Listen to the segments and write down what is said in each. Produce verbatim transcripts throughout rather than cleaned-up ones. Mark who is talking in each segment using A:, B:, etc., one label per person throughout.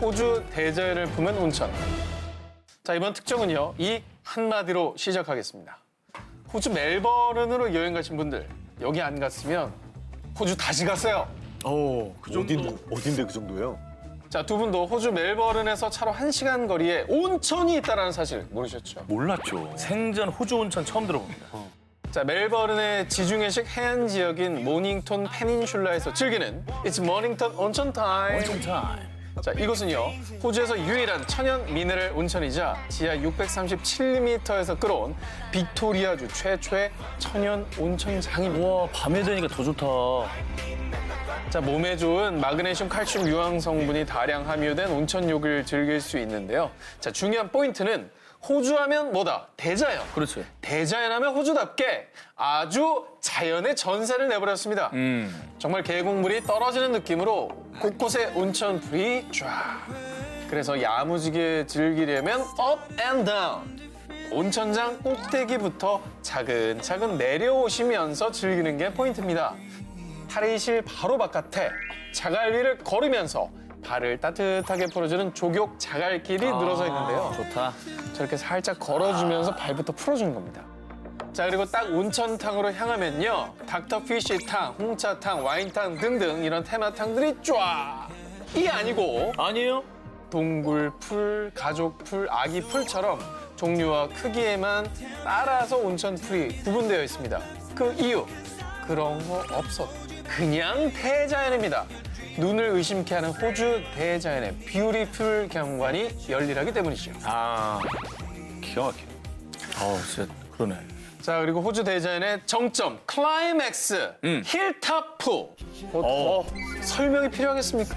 A: 호주 대자연을 품은 온천. 자, 이번 특종은요, 이 한마디로 시작하겠습니다. 호주 멜버른으로 여행 가신 분들, 여기 안 갔으면 호주 다시 가세요.
B: 오, 그 정도.
C: 어딘, 어딘데 그 정도예요?
A: 자, 두 분도 호주 멜버른에서 차로 한 시간 거리에 온천이 있다는 사실 모르셨죠?
B: 몰랐죠. 생전 호주 온천 처음 들어봅니다.
A: 자, 멜버른의 지중해식 해안 지역인 모닝톤 페닌슐라에서 즐기는 It's Mornington 온천 타임.
B: 온천 타임.
A: 자, 이곳은요, 호주에서 유일한 천연 미네랄 온천이자 지하 육백삼십칠 미터에서 끌어온 빅토리아주 최초의 천연 온천장입니다.
B: 와, 밤에 되니까 더 좋다.
A: 자, 몸에 좋은 마그네슘, 칼슘 유황 성분이 다량 함유된 온천욕을 즐길 수 있는데요. 자, 중요한 포인트는 호주 하면 뭐다? 대자연.
B: 그렇지.
A: 대자연 하면 호주답게 아주 자연의 전세를 내버렸습니다.
B: 음.
A: 정말 계곡물이 떨어지는 느낌으로 곳곳에 온천풀이 쫙. 그래서 야무지게 즐기려면 up and down. 온천장 꼭대기부터 차근차근 내려오시면서 즐기는 게 포인트입니다. 탈의실 바로 바깥에 자갈 위를 걸으면서 발을 따뜻하게 풀어주는 족욕 자갈길이 늘어서 있는데요.
B: 좋다.
A: 저렇게 살짝 걸어주면서 발부터 풀어주는 겁니다. 자, 그리고 딱 온천탕으로 향하면요, 닥터피쉬탕, 홍차탕, 와인탕 등등 이런 테마탕들이 쫙! 이 아니고
B: 아니에요?
A: 동굴풀, 가족풀, 아기풀처럼 종류와 크기에만 따라서 온천풀이 구분되어 있습니다. 그 이유, 그런 거 없어. 그냥 대자연입니다. 눈을 의심케 하는 호주 대자연의 뷰티풀 경관이 열일하기 때문이죠.
B: 아, 기가 막히네. 아, 진짜 그러네.
A: 자, 그리고 호주 대자연의 정점, 클라이맥스,
B: 음.
A: 힐탑풀. 어, 어, 설명이 필요하겠습니까?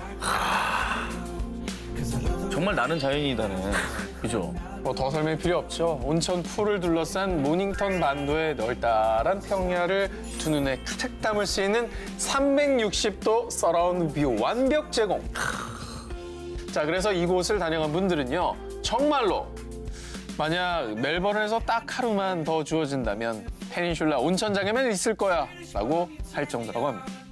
B: 정말 나는 자연이다네. 그죠?
A: 뭐 더 설명이 필요 없죠. 온천 풀을 둘러싼 모닝턴 반도의 널따란 평야를 두 눈에 가득 담을 수 있는 삼백육십 도 서라운드 뷰 완벽 제공. 자, 그래서 이곳을 다녀간 분들은요, 정말로 만약 멜버른에서 딱 하루만 더 주어진다면 페닌슐라 온천장에만 있을 거야 라고 할 정도라고 합니다.